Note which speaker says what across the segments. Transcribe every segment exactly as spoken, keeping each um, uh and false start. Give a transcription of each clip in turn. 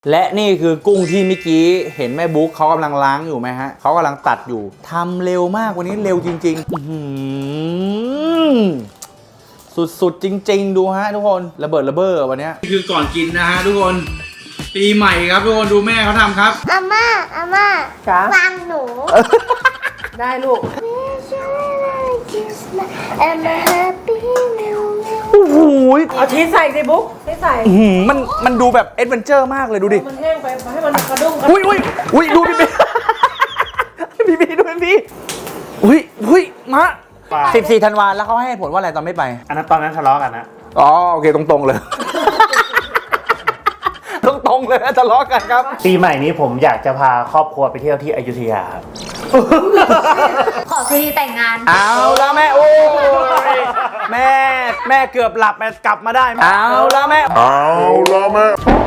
Speaker 1: และนี่คือกุ้งที่เมื่อกี้เห็นแม่บุ๊กเขากำลังล้างอยู่ไหมฮะเขากำลังตัดอยู่ทำเร็วมากวันนี้เร็วจริงๆสุดๆจริงๆดูฮะทุกคนระเบิดระเบ้อวันนี้คือก่อนกินนะฮะทุกคนปีใหม่ครับทุกคนดูแม่เขาทำครับ
Speaker 2: อาม่าอาม่าจ้าวางหนู
Speaker 3: ได้ลูก
Speaker 1: โอ้โห
Speaker 3: เอาชีสใส่สิบุ๊กชีสใส่
Speaker 1: มันมันดูแบบเอ็ดเวนเจอร์มากเลยดูดิ
Speaker 3: มันแห้งไปให้มันกระดุ้ง
Speaker 1: อุ้ยอุ้ยอุ้ยดูพี่พี่พี่ดูพี่อุ้ยอุ้ยมาสิบสี่ธันวาแล้วเขาให้ผลว่าอะไรตอนไม่ไป
Speaker 4: อันนั้นตอนนั้นทะเลาะกันนะ
Speaker 1: อ๋อโอเคตรงๆเลยตรงๆเลยทะเลาะกันครับ
Speaker 4: ปีใหม่นี้ผมอยากจะพาครอบครัวไปเที่ยวที่อยุธยาครับ
Speaker 2: ขอพิธีแต่งงาน
Speaker 1: เอาแล้วแม่โอ้ยแม่แม่เกือบหลับแม่กลับมาได้เอาแล้วแม่
Speaker 4: เอาแล้วแม่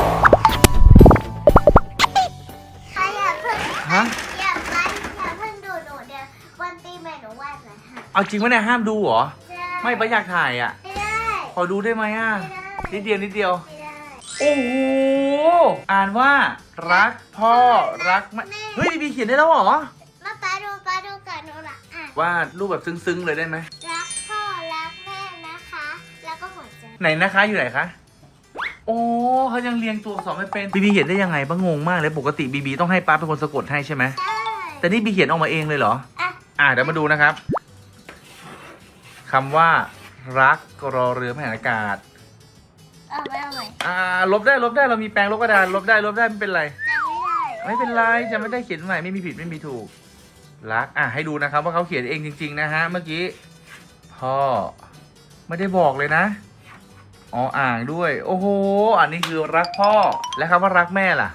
Speaker 2: ใครอย่าเพิ่ง
Speaker 1: ฮะ
Speaker 2: อย่าเพิ่งอย่าเพิ่งดูหนูเดี๋ยววันปีใหม่หนูวาดหน่อยค่ะ
Speaker 1: เอาจริงวะเนี่ยห้ามดูเหรอไม่ปะอยากถ่ายอ่ะ
Speaker 2: ไม่ได้
Speaker 1: ขอดูได้ไหมอ่ะนิดเดียวนิดเดียว
Speaker 2: ไม่ได้
Speaker 1: โอ้โหอ่านว่ารักพ่อรักแม่เฮ้ยบีเขียนได้แล้วเหรอ
Speaker 2: มาป้าดูป้าดูกันหนูละอ่ะ
Speaker 1: วาดรูปแบบซึ้งๆเลยได้ไหม
Speaker 2: รักพ่อรักแม่นะคะแล้วก็หัวใจ
Speaker 1: ไหนนะคะอยู่ไหนคะโอ้เขายังเรียงตัวอักษรไม่เป็นบีบีเขียนได้ยังไงบ้างงงมากเลยปกติบีบีต้องให้ป้าเป็นคนสะกดให้ใช่ไหม
Speaker 2: ใช่
Speaker 1: แต่นี่บีเขียนออกมาเองเลยเหรอ
Speaker 2: อ่ะ
Speaker 1: อ่าเดี๋ยวมาดูนะครับคำว่ารักรอเรือมหาอากาศ
Speaker 2: เอาไปเอาไป
Speaker 1: อ่าลบได้ลบได้เรามีแปรงลบกระดานลบได้ลบได้ไม่เป็นไร
Speaker 2: จะไม่ได้
Speaker 1: ไม่เป็นไรจะไม่ได้เขียนใหม่ไม่มีผิดไม่มีถูกรักอ่ะให้ดูนะครับว่าเขาเขียนเองจริงๆนะฮะเมื่อกี้พ่อไม่ได้บอกเลยนะอ๋ออ่างด้วยโอ้โหอันนี้คือรักพ่อและคำว่ารักแม่ล่ะ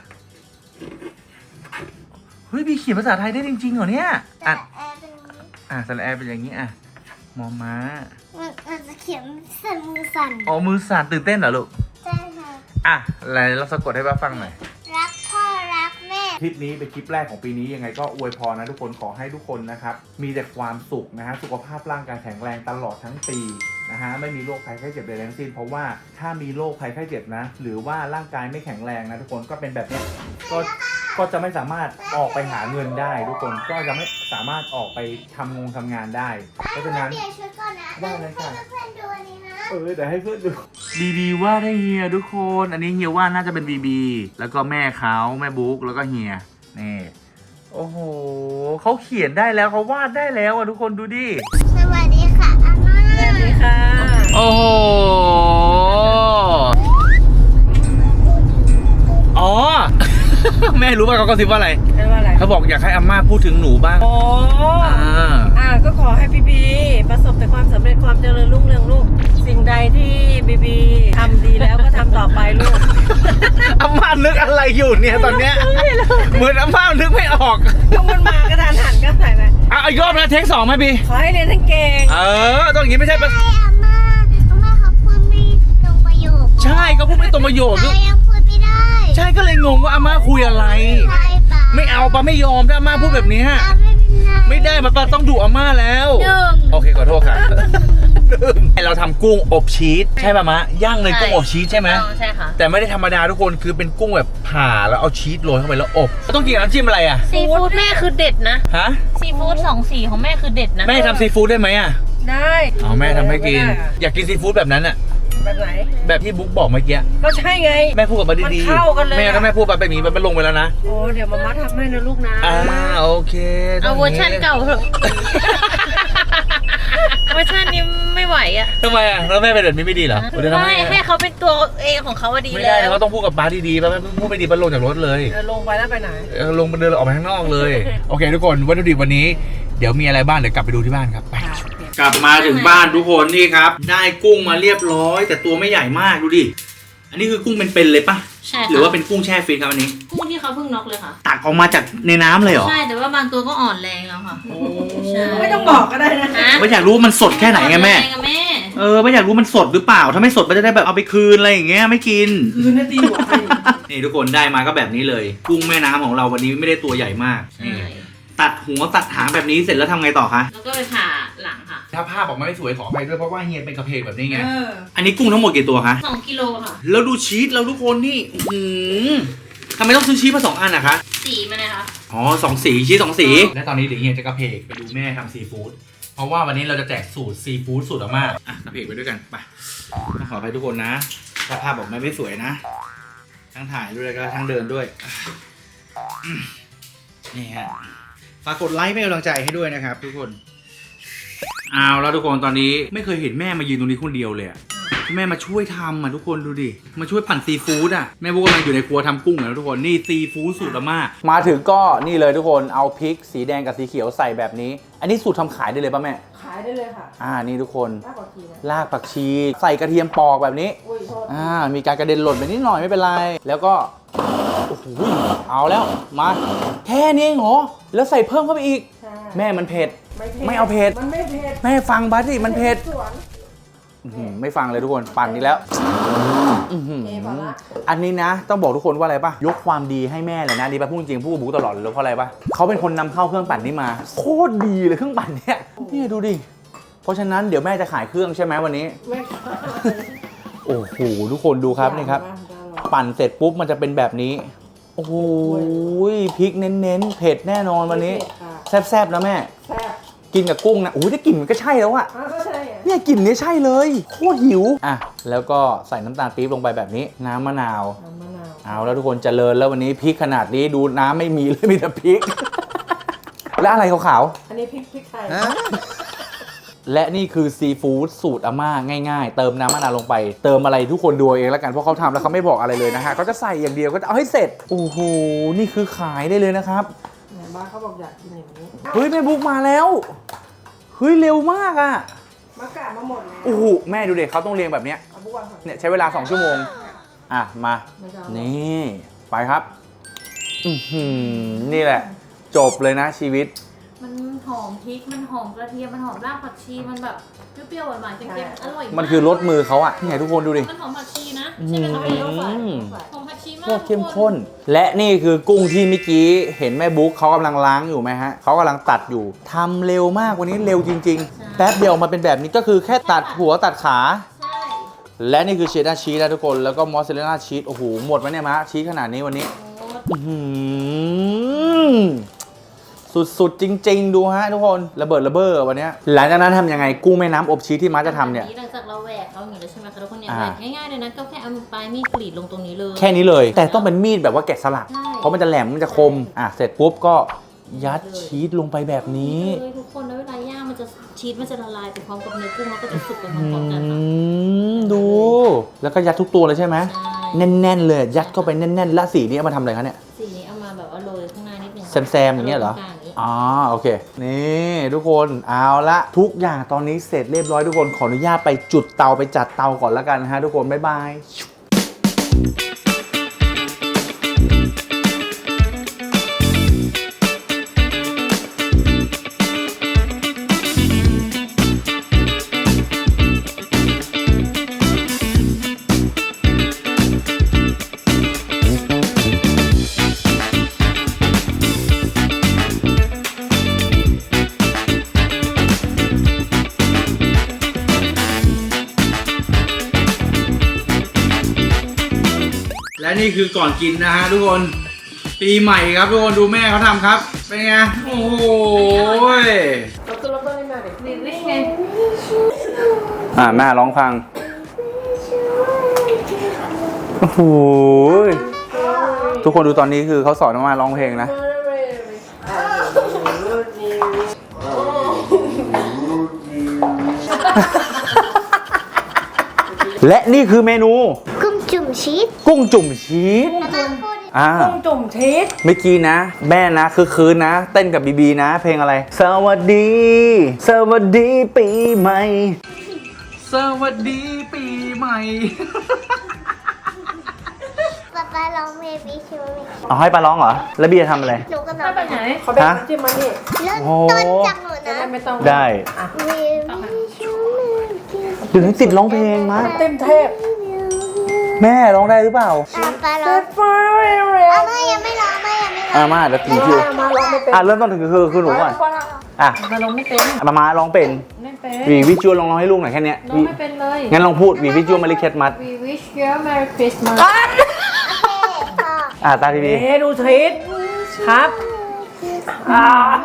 Speaker 1: เฮ้ยบีเขียนภาษาไทยได้จริงๆเหรอเนี่ยอ่ะอ่ะสระแอเป็นอย่างนี้อ่ะมอม้า
Speaker 2: มันจะเขียนสั่นมือสั่น
Speaker 1: อ๋อมือสั่นตื่นเต้นเหรอลูก
Speaker 2: ใช่ค่ะ
Speaker 1: อ่ะอะไรเราสะกดให้ป้าฟังหน่อย
Speaker 2: รักพ่อรักแม่
Speaker 1: คลิปนี้เป็นคลิปแรกของปีนี้ยังไงก็อวยพรนะทุกคนขอให้ทุกคนนะครับมีแต่ความสุขนะฮะสุขภาพร่างกายแข็งแรงตลอดทั้งปีนะฮะไม่มีโรคภัยไข้เจ็บใดทั้งสิ้นเพราะว่าถ้ามีโรคภัยไข้เจ็บนะหรือว่าร่างกายไม่แข็งแรงนะทุกคนก็เป็นแบบนี้ก็ก็จะไม่สามารถออกไปหาเงินได้ทุกคนก็จะไม่สามารถออกไปทำงงทำงานได้เพราะฉะนั้น
Speaker 2: เปลี่ยนชุดก่อนนะ
Speaker 1: ได้เลยค่ะ
Speaker 2: เพื่อนดูอันนี้นะ
Speaker 1: เออแต่ให้เพื่อนดูบีบีว่าได้เฮียทุกคนอันนี้เฮียว่าน่าจะเป็นบีบีแล้วก็แม่เขาแม่บุ๊กแล้วก็เฮียนี่โอ้โหเขาเขียนได้แล้วเขาวาดได้แล้วอ่ะทุกคนดูดิ
Speaker 2: สวัสดีค่ะอาม่า
Speaker 3: สวัสดีค่ะ
Speaker 1: โอ้โหอ๋อ แม่รู้ป่ะเขากระซิบว่าอะไร
Speaker 3: ว่าอะไร
Speaker 1: เขาบอกอยากให้อาม่าพูดถึงหนูบ้าง
Speaker 3: อ๋ออ่าอ่าก็ขอให้บีบีประสบแต่ความสำเร็จความเจริญรุ่งเรืองลูกสิ่งใดที่บีบีทำดีแล้วก็ทำต่อไปลูก
Speaker 1: อาม่านึกอะไรอยู่เนี่ยตอนเนี้ยเหมือนอาม่านึกไม่ออก
Speaker 3: ก็มันมากระดานหันก็ใส่ไป
Speaker 1: อ่ะอีกรอบนะเทคสองไหมบี
Speaker 3: ขอให้เรียนทั้งเก่ง
Speaker 1: เออต้องอย่างนี้ไม่ใช่ปะ
Speaker 2: ใช่อาม่าอาม่าเขาพูดไม่ตรงประโยค
Speaker 1: ใช่เขาพูดไม่ตรงประโยค
Speaker 2: ใช่ยังพูดไม่ได้
Speaker 1: ใช่ก็เลยงงว่าอาม่าคุยอะไร
Speaker 2: ใช่ปะ
Speaker 1: ไม่เอาปะไม่ยอมถ้าอาม่าพูดแบบนี้ไม่ได้มาปะต้องดุอาม่าแล้วโอเคขอโทษค่ะเราทำกุ้งอบชีสใช่ป่ะมะย่างเลยกุ้งอบชีสใช่ไหม
Speaker 3: ใช่ค่ะ
Speaker 1: แต่ไม่ได้ธรรมดาทุกคนคือเป็นกุ้งแบบผ่าแล้วเอาชีสโรยเข้าไปแล้วอบต้องกินกับน้ำจิ้มอะไรอ่ะ
Speaker 5: ซีฟู้ดแม่คือเด็ดนะ
Speaker 1: ฮะ
Speaker 5: ซีฟู้ดสองสีของแม่คือเด็ดนะ
Speaker 1: แม่ทำซีฟู้ดได้ไหมอ่ะ
Speaker 3: ได้
Speaker 1: เอาแม่ทำให้กินอยากกินซีฟู้ดแบบนั้นอ่ะ
Speaker 3: แบบไหน
Speaker 1: แบบที่บุ๊กบอกเมื่อกี้
Speaker 3: ก็ใช่ไง
Speaker 1: แม่พูดกับมาดี
Speaker 3: ๆเข้ากันเลย
Speaker 1: แม่ก็แม่พูดไปแบบนี้มันลงไปแล้วนะ
Speaker 3: โอ้เดี๋ยวมาม่าทำให้นะลูกนะ
Speaker 1: อ่าโอเค
Speaker 5: เอาเวอร์ชันเก่าเถอะเวอร์ชันนี้ไม่ไหวอ่ะ
Speaker 1: ทำไมอ่ะแล้วแม่เป็นแบบนี้ไม่ดีเหรอ
Speaker 5: ไม่ให้เขาเป็นตัวเองของเขาดี
Speaker 1: แล้วไม่ได้เขาต้องพูดกับป้าดีๆป้าพูดไม่ดีป้าลงจากรถเลย
Speaker 3: ลงไปแล้วไปไหน
Speaker 1: ลงไปเดินออกไปข้างนอกเลยโอเคทุกคนวัตถุดิบวันนี้เดี๋ยวมีอะไรบ้างเดี๋ยวกลับไปดูที่บ้านครับไปกลับมาถึงบ้านทุกคนนี่ครับได้กุ้งมาเรียบร้อยแต่ตัวไม่ใหญ่มากดูดิอันนี้คือกุ้งเป็นๆเลยปะ
Speaker 5: ใช่
Speaker 1: หรือว่าเป็นกุ้งแช่ฟรีซครับอันนี้
Speaker 5: กุ้งที่เขาเพิ่งน็อกเลยค่ะ
Speaker 1: ตักออกมาจากในน้ำเลยเหรอ
Speaker 5: ใช่แต่ว่าบางตัวก็อ่อนแรงแล้วค่ะ
Speaker 3: ไม่ต้องบอกก็ได้นะ
Speaker 1: ไม่อยากรู้ว่ามันสดแค่ไหนไงแม่เออไม่อยากรู้มันสดหรือเปล่าถ้าไม่สดมันจะได้แบบเอาไปคืนอะไรอย่างเงี้ยไม่กิน
Speaker 3: คืนนาทีหัว
Speaker 1: นี่ทุกคนได้มาก็แบบนี้เลยกุ้งแม่น้ำของเราวันนี้ไม่ได้ตัวใหญ่มากนี่ตัดหัวตัดหางแบบนี้เสร็จแล้วทำไงต่อคะ
Speaker 5: แล้วก็ไปผ่าหลังค่ะ
Speaker 1: ถ้าภาพออกมาไม่สวยขออภัยด้วยเพราะว่าเฮียเป็นกระเพกแบบนี้ไงอันนี้กุ้งทั้งหมดกี่ตัวคะ
Speaker 5: สองกิโลค่ะ
Speaker 1: แล้วดูชีสเราทุกคนนี่อืทำไมต้องซื้อชีสมาสองอันอะคะ
Speaker 5: สีมันนะคะ
Speaker 1: อ๋อสองสีชีสสองสี และตอนนี้เดี๋ยวเฮียจะกระเพกไปดูแม่ทำซีฟู้ดเพราะว่าวันนี้เราจะแจกสูตรซีฟู้ดสูตรอาม่าอ่ะกระเพกไปด้วยกันไปต้องขออภัยทุกคนนะถ้าภาพบอกแม่ไม่สวยนะทั้งถ่ายด้วยแล้วก็ทั้งเดินด้วยอืมนี่ฮะฝากกดไลค์เป็นกำลังใจให้ด้วยนะครับทุกคนเอาแล้วทุกคนตอนนี้ไม่เคยเห็นแม่มายืนตรงนี้คนเดียวเลยอะแม่มาช่วยทำอ่ะทุกคนดูดิมาช่วยปั่นซีฟู้ดอ่ะแม่บุ๊กกำลังอยู่ในครัวทำกุ้งแล้วทุกคนนี่ซีฟู้ดสูตรอาม่ามาถึงก็นี่เลยทุกคนเอาพริกสีแดงกับสีเขียวใส่แบบนี้ อันนี้สูตรทำขายได้เลยป่ะแม่
Speaker 3: ขายได้เลยค่ะ
Speaker 1: อ่านี่ทุกคน
Speaker 3: มากกว่าทีนะ
Speaker 1: รากผักชีใส่กระเทียมปอกแบบนี้
Speaker 3: อุ้ยโทษ
Speaker 1: อ่ามีการกระเด็นหล่นไปนิดหน่อยไม่เป็นไรแล้วก็โอ้โหเอาแล้วมาแค่นี้เองเหรอแล้วใส่เพิ่มเข้าไปอีก
Speaker 3: ใช่
Speaker 1: แม่มันเผ็ด
Speaker 3: ไม่เผ็ด
Speaker 1: ไม่เอาเผ็ด
Speaker 3: มันไม่เผ็ด
Speaker 1: แม่ฟังบัสสิมันเผ็ด
Speaker 3: สวน
Speaker 1: อื้อหือไม่ฟังเลยทุกคนปั่นนี้แล้วอื้อหือ
Speaker 3: เอพอละ
Speaker 1: อันนี้นะต้องบอกทุกคนว่าอะไรป่ะยกความดีให้แม่เลยนะดีป่ะพูดจริงพูดกับบุ๊กตลอดเลยเพราะอะไรป่ะเขาเป็นคนนำเข้าเครื่องปั่นนี้มาโคตรดีเลยเครื่องปั่นเนี่ยนี่ดูดิเพราะฉะนั้นเดี๋ยวแม่จะขายเครื่องใช่ไหมวันนี้
Speaker 3: ไม่ขาย
Speaker 1: โอ้โหทุกคนดูครับนี่ครับปั่นเสร็จปุ๊บมันจะเป็นแบบนี้โอ้โหพริกเน้นๆเผ็ดแน่นอนวันนี้แซ่บๆนะแม่
Speaker 3: แซ่บ
Speaker 1: กินกับกุ้งนะโอ้ยได้กลิ่นมันก็ใช่แล้วอะ
Speaker 3: อ้าวก็ใช่อะ
Speaker 1: เนี่ยกลิ่นนี้ใช่เลยโคตรหิวอ่ะแล้วก็ใส่น้ำตาลปี๊บลงไปแบบนี้น้ำมะนาว
Speaker 3: น้ำมะนาว
Speaker 1: เอาแล้วทุกคนเจริญแล้ววันนี้พริกขนาดนี้ดูน้ำไม่มีเลยมีแต่พริก และอะไรขาว
Speaker 3: อันนี้พริกพริกไทย
Speaker 1: ๆและนี่คือซีฟู้ดสูตรอาม่าง่ายๆ เติมน้ำมะนาวลงไป เติมอะไรทุกคนดูเอาเองแล้วกันเพราะเขาทำแล้วเขาไม่บอกอะไรเลยนะฮะเขาจะใส่อย่างเดียวก็เอาให้เสร็จโอ้โหนี่คือขายได้เลยนะครับ
Speaker 3: ไหนบ้านเขาบอกอยากกินอย่างนี้
Speaker 1: เฮ้ยแม่บุ๊กมาแล้วเฮ้ยเร็วมากอ่ะ
Speaker 3: มากะมาหมดแล้ว
Speaker 1: โอ้โหแม่ดูเด็กเขาต้องเรียงแบบเนี้ย
Speaker 3: เอาบุกวางก่อน
Speaker 1: เนี่ยใช้เวลาสองชั่วโมงอ่ะมา
Speaker 3: ไม่ต้อง
Speaker 1: นี่ไปครับอือหือนี่แหละ จบเลยนะชีวิต
Speaker 5: มันหอมพริกมันหอมกระเทียมมันหอมรากผักชีมันแบบเปรี้ยวๆหวานๆเค็มๆอร่อยาก
Speaker 1: มันคือรสมือเขาอ่ะนี่ไงทุกคนดูดิ
Speaker 5: มันหอมผักชีนะใช่ไหมคะ
Speaker 1: อื
Speaker 5: พี่
Speaker 1: ม
Speaker 3: ต้องใส่ต้องใส่
Speaker 5: หอมผักชีมาก
Speaker 1: โคตรเข้มข้น และนี่คือกุ้งที่เมื่อกี้เห็นแม่บุ๊กเขากำลังล้างอยู่ไหมฮะเขากำลังตัดอยู่ทำเร็วมากวันนี้เร็วจริงๆ แป๊บเดียวมาเป็นแบบนี้ก็คือแค่ตัดหัวตัดขา
Speaker 5: ใช่
Speaker 1: และนี่คือเชดดาร์ชีสนะทุกคนแล้วก็มอสซาเรลล่าชีสโอ้โหหมดไหมเนี่ยมะชีสขนาดนี้วันนี้
Speaker 5: โอ้
Speaker 1: อื้อหือสุดๆจริง ๆ ดูฮะทุกคนระเบิดระเบ้อวันเนี้ยหลังจากนั้นทำยังไงกุ้งแม่น้ำอบชีสที่มาจะทำเนี่ย
Speaker 5: หลังจากเราแหวกเขาอย่างนี้แล้วใช่ไหมคะทุกคนเนี่ย
Speaker 1: อ่า
Speaker 5: แหวกง่ายๆเลยนะก็แค่เอาปลายมีดกรีดลงตรงนี้เลย
Speaker 1: แค่นี้เลย แต่ต้องเป็นมีดแบบว่าแกะสลัก
Speaker 5: ใช่
Speaker 1: เพราะมันจะแหลมมันจะคมอ่ะเสร็จปุ๊บก็ยัดชีสลงไปแบบนี้
Speaker 5: เลยทุกคนแล้วเวลาย่างมันจะชีสมันจะละลายไปพร้อมกับเนื้อกุ้งแล้วก็จะสุกไปพ
Speaker 1: อื
Speaker 5: ร้อมๆกันค่ะ
Speaker 1: มดู แล้วก็ยัดทุกตัวเลยใช่ไหม
Speaker 5: ใช่
Speaker 1: แน่นๆเลยยัดเข้าไปแน่นๆแล้วสีนี้เอามาทำอะไรคะเนี่ย
Speaker 5: สีนี้เอามาแบบว่าโรยข้างหน้านิดนึง
Speaker 1: แซมๆอย่างเงี้ยเหรอ
Speaker 5: โตงกลางอย่างงี้
Speaker 1: อ๋อโอเค นี่ทุกคนเอาละทุกอย่างตอนนี้เสร็จเรียบร้อยทุกคนขออนุญาตไปจุดเตาไปจัดเตาก่อนแล้วกันนะฮะทุกคนบ๊ายบาย และนี่คือก่อนกินนะฮะทุกคนปีใหม่ครับทุกคนดูแม่เขาทำครับ เป็นไง โอ้โห
Speaker 3: เราคือเราต้องเล่นมาเด็ก
Speaker 5: นี่นี่ไง
Speaker 1: อ่าแม่ร้องฟัง โอ้โหทุกคนดูตอนนี้คือเขาสอนมาร้องเพลงนะ และนี่คือเมนู
Speaker 2: กุ้งจุ่มชีส
Speaker 1: กุ้งจุ่มชีส
Speaker 2: มาพูด
Speaker 1: อ่า
Speaker 3: กุ้งจุ่มชีส
Speaker 1: เมื่อกี้นะ แม่นะคือคืนนะ เต้นกับบีบีนะ เพลงอะไร สวัสดี สวัสดีปีใหม่ สวัสดีปีใหม่
Speaker 2: ป๊าป๊าร้องเพลงวิชู
Speaker 1: เอาให้ปลาร้องเหรอ แล้วบีจะทำอะไร
Speaker 2: หนูก็ร้
Speaker 5: ถ้า
Speaker 2: อง
Speaker 5: ไปไหน
Speaker 3: เขาเป็น
Speaker 1: ฮะ
Speaker 3: ที่มันนี่
Speaker 2: เริ่ม
Speaker 1: โอ้
Speaker 2: ต้นจากหนู
Speaker 3: จะ
Speaker 2: นะ
Speaker 3: ได้ไม่ต้อง
Speaker 1: ได้
Speaker 3: อ่ะ
Speaker 2: วิชู
Speaker 1: เดี๋ยวนี้ติดร้องเพลงมา
Speaker 3: เต็มเทพ
Speaker 1: แม่ร้องได้หรือเปล่า
Speaker 2: ป๊าป๊าร้อง
Speaker 3: ไฟเรีย
Speaker 2: อาม่ายังไม่ร้องไม่ยังไม่ร้อง
Speaker 1: อ่ามาเดี๋ยวถึงคิว
Speaker 3: มาร้องไม่เป็น
Speaker 1: อ่ะเริ่มต้นถึงคือคือหนูก่อน อ่ะ
Speaker 3: มาร้องไม่เป็น
Speaker 1: มามาร้องเป็น
Speaker 5: ไม่เป็น
Speaker 1: วีวิจวลลองร้องให้ลูกหน่อยแค่เนี้ย
Speaker 5: น้อง
Speaker 1: วี
Speaker 5: ไม่เป็นเลย
Speaker 1: งั้นลองพูดวีวิจวลมาริเคสมัส
Speaker 5: We wish you a Merry Christmas
Speaker 2: โอเคพอ
Speaker 4: อ่าตาพี่บี
Speaker 3: เอ๊ะดูทริปครับอ่า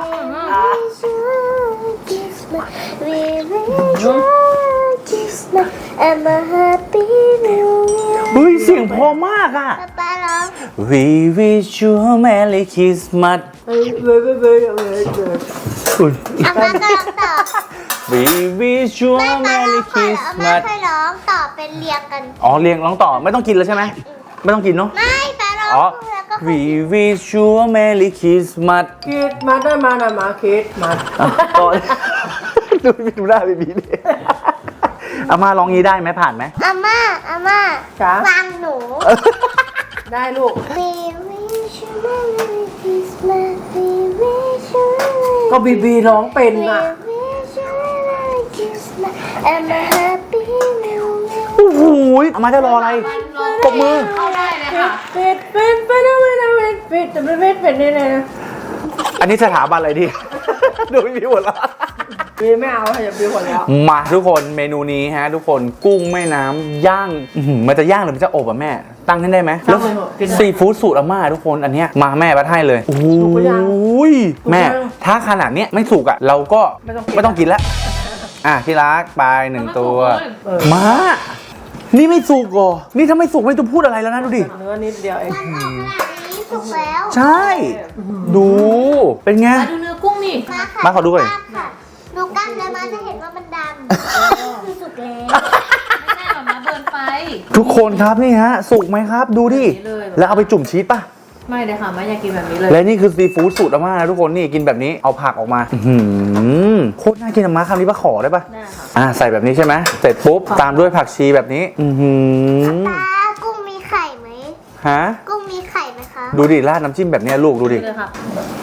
Speaker 2: I'm a happy new year
Speaker 4: เฮ้ยเสียงพอมากอ่ะ
Speaker 2: ป๊าป๊าร้อง
Speaker 4: We wish you a Merry Christmas
Speaker 3: เฮ้ยเว้ยเว้ยเว้ยเว้ยเว้ย
Speaker 4: อุ๊ย
Speaker 2: อาม่าก็ร้องต่อ
Speaker 4: We wish you
Speaker 2: ไม่
Speaker 4: a
Speaker 2: ป๊าร้อ
Speaker 4: Merry
Speaker 2: งก่อนอาม่า
Speaker 4: Christmas
Speaker 2: ค่อยร้องต่อเป็นเรียงกัน
Speaker 4: อ๋อเรียงร้องต่อไม่ต้องกินแล้วใช่ไหมไม่ต้องกินเนาะ
Speaker 2: ไม่ป๊าร้อง
Speaker 4: อ๋อ
Speaker 2: แล้วก็ค่อย
Speaker 4: We wish you a Merry Christmas
Speaker 3: คิดมาได้มานะมาคิดมา
Speaker 4: อ่ะต่อ ดูดูหน้าบีบีดิอาม่าร้องงี้ได้ไหมผ่านไหม
Speaker 2: อาม่าอาม่า
Speaker 3: จ๋า
Speaker 2: ฟังหนู
Speaker 3: ได้ลูก
Speaker 2: We wish you a Merry Christmas We wish you a Merry
Speaker 3: ก็บีบีร้องเป็น
Speaker 2: We
Speaker 3: อ่ะ
Speaker 2: wish you a Merry Christmas and a happy new year
Speaker 4: โอ้โหอาม่าจะรออะไรปรบมือ
Speaker 5: เข้าได้เลยค่ะ
Speaker 3: ปิดปิดปิดปิดปิดปิดแต่ไม่ปิดเป็นนี่เลยนะ
Speaker 4: อันนี้สถาบันอะไรดี ดูบีบีหมดแล้ว
Speaker 3: บีไม่เอาอย่าบีหัวแล้ว
Speaker 4: มาทุกคนเมนูนี้ฮะทุกคนกุ้งแม่น้ำย่างอื้อหือมันจะย่างหรือมันจะอบอะแม่ ตั้งให้ได้ไหมแล้วซีฟู้ดสูตรอาม่าทุกคนอันเนี้ยมาแม่บัดให้เลยโอ้โหแม่ถ้าขนาดเนี้ยไม่สุกอะเราก็ไม่ต้องกินแล้วอ่ะที่รักไปหนึ่งตัวมานี่ไม่สุกเหรอนี่ถ้าไม่สุกไม่ต้องพูดอะไรแล้วนะดูดิ
Speaker 3: เนื้อนิดเดียวเอง
Speaker 2: มันออกขนาดนี้สุกแล้ว
Speaker 4: ใช่ดูเป็นไง
Speaker 5: มาดูเนื้อกุ้งนี่
Speaker 2: มาค่ะ
Speaker 4: มาขอดูหน่อย
Speaker 2: กล้ามค่ะหนูกั้นแล้วมาจะเห็นว่ามันดำคือสุกแล้ว
Speaker 5: ไม่ได้หรอกนะเบิร์นไฟ
Speaker 4: ทุกคนครับนี่ฮะสุกไหมครับดูดิ
Speaker 5: แบบนี้เลย
Speaker 4: แล้วเอาไปจุ่มชีสป่ะ
Speaker 5: ไม่เลยค่ะไม่อยากกินแบบนี้เลย
Speaker 4: และนี่คือซีฟู้ดสูตรอาม่านะทุกคนนี่กินแบบนี้เอาผักออกมาอื้อหือโคตรน่ากินอาม่าคำนี้ปะขอได้ปะ
Speaker 5: ได้ค่ะ
Speaker 4: อ่าใส่แบบนี้ใช่ไหมเสร็จปุ๊บตามด้วยผักชีแบบนี้อือหือ
Speaker 2: ตากุ้งมีไข่ไหม
Speaker 4: ฮะ
Speaker 2: กุ้งมีไข่ไหมคะ
Speaker 4: ดูดิราดน้ำจิ้มแบบเนี้ยลูกดูดิ
Speaker 5: เลยค่ะ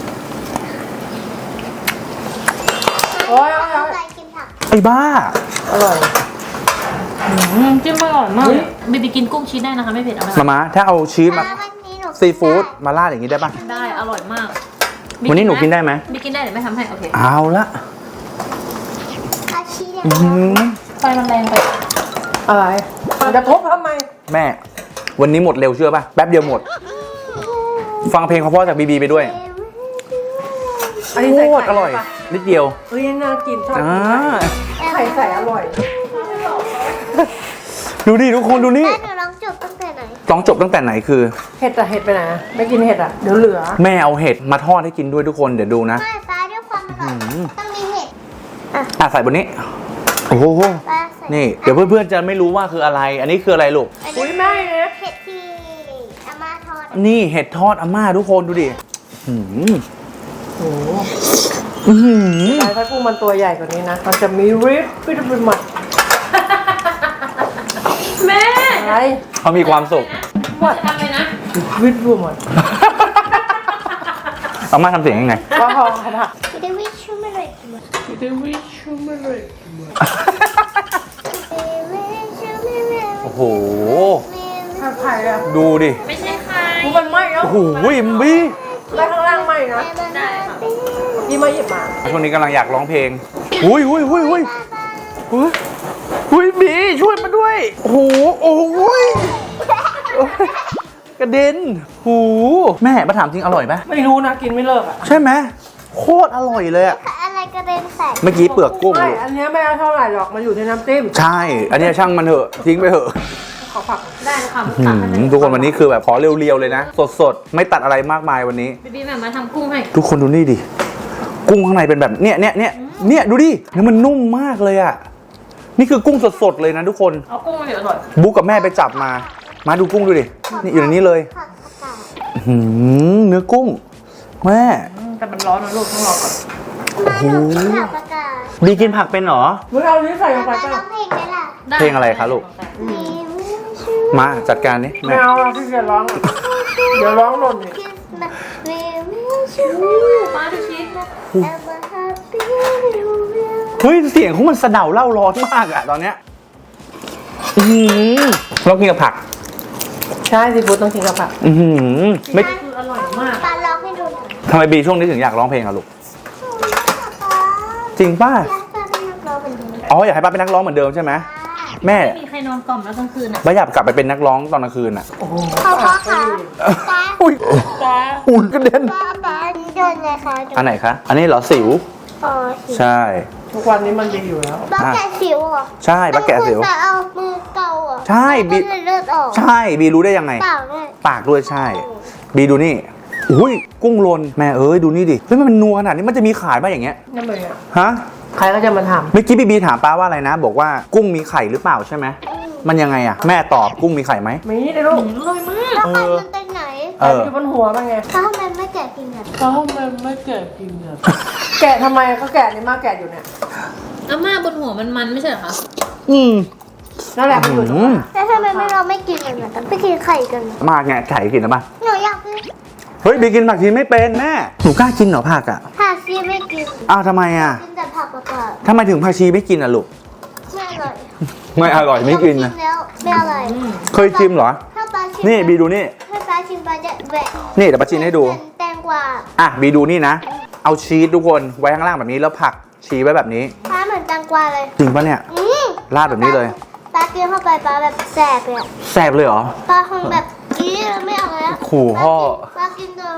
Speaker 3: โอ้ยโอ้ย
Speaker 2: เอา
Speaker 3: โอ้ย
Speaker 2: ไปกินผัก
Speaker 4: ไอ้บ้า
Speaker 3: อร่อย
Speaker 5: อืมจิ้มอร่อยมากบีบีกินกุ้งชีสได้นะคะไม่เผ็ดเอาไหม
Speaker 4: มามาถ้าเอาชีสมา
Speaker 2: อ่าวันนี้หนู
Speaker 4: ซีฟู้ดมาราดอย่างนี้ได้ปะ
Speaker 5: ได้อร่อยมาก
Speaker 4: วันนี้หนูกินได้ไหม
Speaker 5: บีกินได้เดี๋ยวไม่ทำให้โอเค
Speaker 4: เอาละ
Speaker 2: อาชีพ
Speaker 4: อื้อหือ
Speaker 5: ไฟมันแรงไป
Speaker 3: อะไรจะทุบทำไม
Speaker 4: แม่ วันนี้หมดเร็วเชื่อปะแป๊บเดียวหมด ฟังเพลงเพราะๆจากบีบีไปด้วย
Speaker 3: อันนี้
Speaker 4: โค
Speaker 3: ใส่
Speaker 4: ตร
Speaker 3: ไข่
Speaker 4: อร่อย
Speaker 3: ปะ
Speaker 4: นิดเดียว
Speaker 3: เฮ้ยน่ากินชอบ
Speaker 4: อ่า
Speaker 3: ไข่ใส่อร่อย
Speaker 4: ดูดิทุกคนดูนี่
Speaker 2: แม่หนูลองจบตั้งแต่ไหน
Speaker 4: ต้องจบตั้งแต่ไหนคือ
Speaker 3: เห็ดอะเห็ดไปไหนอะไม่กินเห็ดอะเดี๋ยวเหลือ
Speaker 4: แม่เอาเห็ดมาทอดให้กินด้วยทุกคนเดี๋ยวดูนะ
Speaker 2: ไม่ฟ้าด้วยความอร่อยต้องมีเห็ด
Speaker 4: อ่ะใส่บนนี้ โอ้โห
Speaker 2: ฟ้าใส่
Speaker 4: นี่ เดี๋ยวเพื่อนๆจะไม่รู้ว่าคืออะไร อันนี้คืออะไรลูก
Speaker 2: อัน
Speaker 3: อุ้ย
Speaker 2: นี้
Speaker 3: แม่เนี่ย
Speaker 2: เห็ดที่อาม่าทอด
Speaker 4: นี่เห็ดทอดอาม่าทุกคนดูดิอื้อหือ
Speaker 3: โอ้โห
Speaker 4: อื้อหือ
Speaker 3: แต่ถ้ากุ้งมันตัวใหญ่กว่านี้นะ มันจะมีริบฟิตเป็นหมัด
Speaker 5: แม่
Speaker 3: อะไร
Speaker 4: เขามีความสุข
Speaker 5: หมดทำเลยนะ
Speaker 3: วิตบูหมด
Speaker 4: อาม่าทำเสียงยังไง
Speaker 3: ก็พอค่ะผัก
Speaker 2: เดวิดชูไม่เลยกินหมด
Speaker 3: เดวิดชูไม่เลย
Speaker 2: เดวิดชูไม่เลย
Speaker 4: โอ้โห
Speaker 3: ผัดไข่อะ
Speaker 4: ดูดิ
Speaker 5: ไม่ใช่ใคร
Speaker 3: กูมันไหม้แล้ว
Speaker 4: โอ้โหมบี้
Speaker 3: แล้วข้างล่างไหม้นะ
Speaker 5: ได้ค่ะ
Speaker 3: พี่มาหยิบมา
Speaker 4: ช่วงนี้กำลังอยากร้องเพลงหุยหุยหุยหุยหุยหุยบีช่วยมาด้วย โอ้โห โอ้โหยโอ้ยกระเด็นหูแม่มาถามจริงอร่อยไหม
Speaker 3: ไม่รู้นะกินไม่เลิกอะ
Speaker 4: ใช่ไหมโคตรอร่อยเลยอะ
Speaker 2: อะไรกระเด็นใส่
Speaker 4: เมื่อกี้เปลือกกุ้ง
Speaker 3: ไม่อันเนี้ยไม่เอาเท่าไหร่หรอกมันอยู่ในน้ำจิ้ม
Speaker 4: ใช่ อันเนี้ยช่างมันเถอะทิ้งไปเถอะ
Speaker 3: ขอผัก
Speaker 5: ได้ค่ะ
Speaker 4: หื
Speaker 5: ตักให้
Speaker 4: มทุกคนวันนี้คือแบบขอเรียวๆเลยนะ สดๆ ไม่ตัดอะไรมากมายวันนี้
Speaker 5: บีบีแบบมาทำกุ้งให้
Speaker 4: ทุกคนดูนี่ดิ กุ้งข้างในเป็นแบบเนี้ยเนี้ยเนี้ยเนี้ยดูดิเนื้อมันนุ่มมากเลยอะนี่คือกุ้งสดๆเลยนะทุกคน
Speaker 5: เอากุ้งมาเดี๋ยวอร่อย
Speaker 4: บุ๊กกับแม่ไปจับมา มาดูกุ้งดูดิ นี่อยู่ในนี้เลย
Speaker 2: ผักอากาศ
Speaker 4: อื้อหือเนื้อกุ้ง แม่
Speaker 5: อืมแต่มันร้อนนะลูกต้องรอก่อน
Speaker 2: มาหนูกินผักอากาศ
Speaker 4: บีกินผักเป็นเหรอ
Speaker 3: มึงเอาอันนี้ใส่ลงไป
Speaker 2: มา
Speaker 3: ก็
Speaker 2: ร้องเพลงได้ล่ะ
Speaker 5: ได้
Speaker 4: เพลงอะไรคะลูก
Speaker 2: เดวิดชู
Speaker 4: มาจัดการนี่
Speaker 3: ไม่
Speaker 4: แม่
Speaker 3: เอาเราที่จะร้องอะเดี๋ยวร้องหล่นอีก
Speaker 2: คิสมาเดวิดชู
Speaker 5: มาดูชีส
Speaker 2: แอมมาแฮปปี้นิวเยียร์
Speaker 4: เฮ้ยเสียงของมันสะเดาเล่าร้อนมากอะตอนเนี้ยอือหือเรากินกับผัก
Speaker 3: ใช่ซีฟู้ดต้องกินกับผัก
Speaker 4: อือหือไม่
Speaker 5: คืออร่อยมาก
Speaker 2: ปาร้องให้ดูหน่อย
Speaker 4: ทำไมบีช่วงนี้ถึงอยากร้องเพลงอะลูก
Speaker 2: ป๊า
Speaker 4: จริงป่ะ
Speaker 2: อยากจะเป็นนักร้องเหมือนเดิม
Speaker 4: อ๋ออยากให้ป้าเป็นนักร้องเหมือนเดิมใช่ไหมแม่
Speaker 5: ไม่มีใครนอนกล่อมแล้วกลางคืนอ่ะ
Speaker 4: ไม่อยากกลับไปเป็นนักร้องตอนกลางคืนอ่ะ
Speaker 2: พ่อพ่อคะตา
Speaker 4: อุ้ยอุ้ยกระเด็น
Speaker 2: ป้าป้าโดนไงคะ
Speaker 4: อันไหนคะ อันนี้เหรอสิว
Speaker 2: อ๋อ
Speaker 4: ใช่
Speaker 3: ทุกวันนี้มันดีอยู่แล้ว
Speaker 2: ป้าแกะสิวเหรอ
Speaker 4: ใช่ปลาแกะสิว
Speaker 2: ต้องคุณจะเอามือเกาเหรอ
Speaker 4: ใช่บี
Speaker 2: บีเลือดออก
Speaker 4: ใช่ บีรู้ได้ยังไง
Speaker 2: เปล่าเนี่ย
Speaker 4: ปากด้วยใช่ บีดูนี่ อุ้ยกุ้งลน แม่เอ้ยดูนี่ดิ เฮ้ยมันนัวขนาดนี้มันจะมีขายป่ะอย่างเงี้ย
Speaker 3: นั่นเลยอ่ะ
Speaker 4: ฮะ
Speaker 3: ใครก็จะมาท
Speaker 4: เมื่อกี้บีบีถามป้าว่าอะไรนะ บอกว่ากุ้งมีไข่หรือเปล่าใช่ไหม มันยังไงอะแม่ตอบกุ้งมีไข่ไหม
Speaker 3: ำมีได้ลูก
Speaker 5: อร่อยมาก
Speaker 2: แล้วไข่มันเป็นไหน
Speaker 4: เออ
Speaker 3: อยู่บนหัวมันไง
Speaker 2: ถ้าทำไมไม่แกะกินอ่ะ
Speaker 3: เขาไม่ไม่แกะกินอ่ะแกะทำไมเขาแกะนี่มาแกะอยู่เนี่ย
Speaker 5: อาม่าบนหัวมันมันไม่ใช่เหรอคะ
Speaker 4: อืม
Speaker 3: นั่นแหละมันอยู่ตรง
Speaker 4: อืม
Speaker 3: นั้น
Speaker 2: แล้วทำไมไม่เราไม่กินกันอ่ะแต่ไม่กินไข่กันอะ
Speaker 4: มากไงไข่กินหรือเปล่า
Speaker 2: หนูอยากกิน
Speaker 4: เฮ้ยบีกินผักชีไม่เป็นแม่ หนูกล้ากินเหรอผักอะ
Speaker 2: ผักชีไม่กิน
Speaker 4: อ้าวทำไมอะ
Speaker 2: กินแต่ผักประกาศ
Speaker 4: ทำไมถึงผักชีไม่กินอะลูก
Speaker 2: ไม่อร่อย
Speaker 4: ไม่อร่อยไม่กิน
Speaker 2: ลอ
Speaker 4: นะ
Speaker 2: งชิมแล้วไม่อร่อย
Speaker 4: เคยชิมเหรอ
Speaker 2: ถ้าปลาชิม
Speaker 4: นี่บีดูนี่
Speaker 2: ถ้าปลาชิมปลาจะแหวะ
Speaker 4: นี่เดี๋ยวป้าชิมให้ดู
Speaker 2: เหมือนแตงกวา
Speaker 4: อ่ะบีดูนี่นะ เอาชีสทุกคนไว้ข้างล่างแบบนี้แล้วผักชีไว้แบบนี้
Speaker 2: ปลาเหมือนแตงกวาเลย
Speaker 4: จริงปะเนี่ย
Speaker 2: อืม
Speaker 4: ราดแบบนี้เลย
Speaker 2: ปลากินเข้าไปปลาแบบแสบเลยอะ
Speaker 4: แซ่บเลยเหรอ
Speaker 2: ปลาคงแบบกี้แล้วไม่เอาแล้ว
Speaker 4: ขู่พ่อ
Speaker 2: ปลากินจน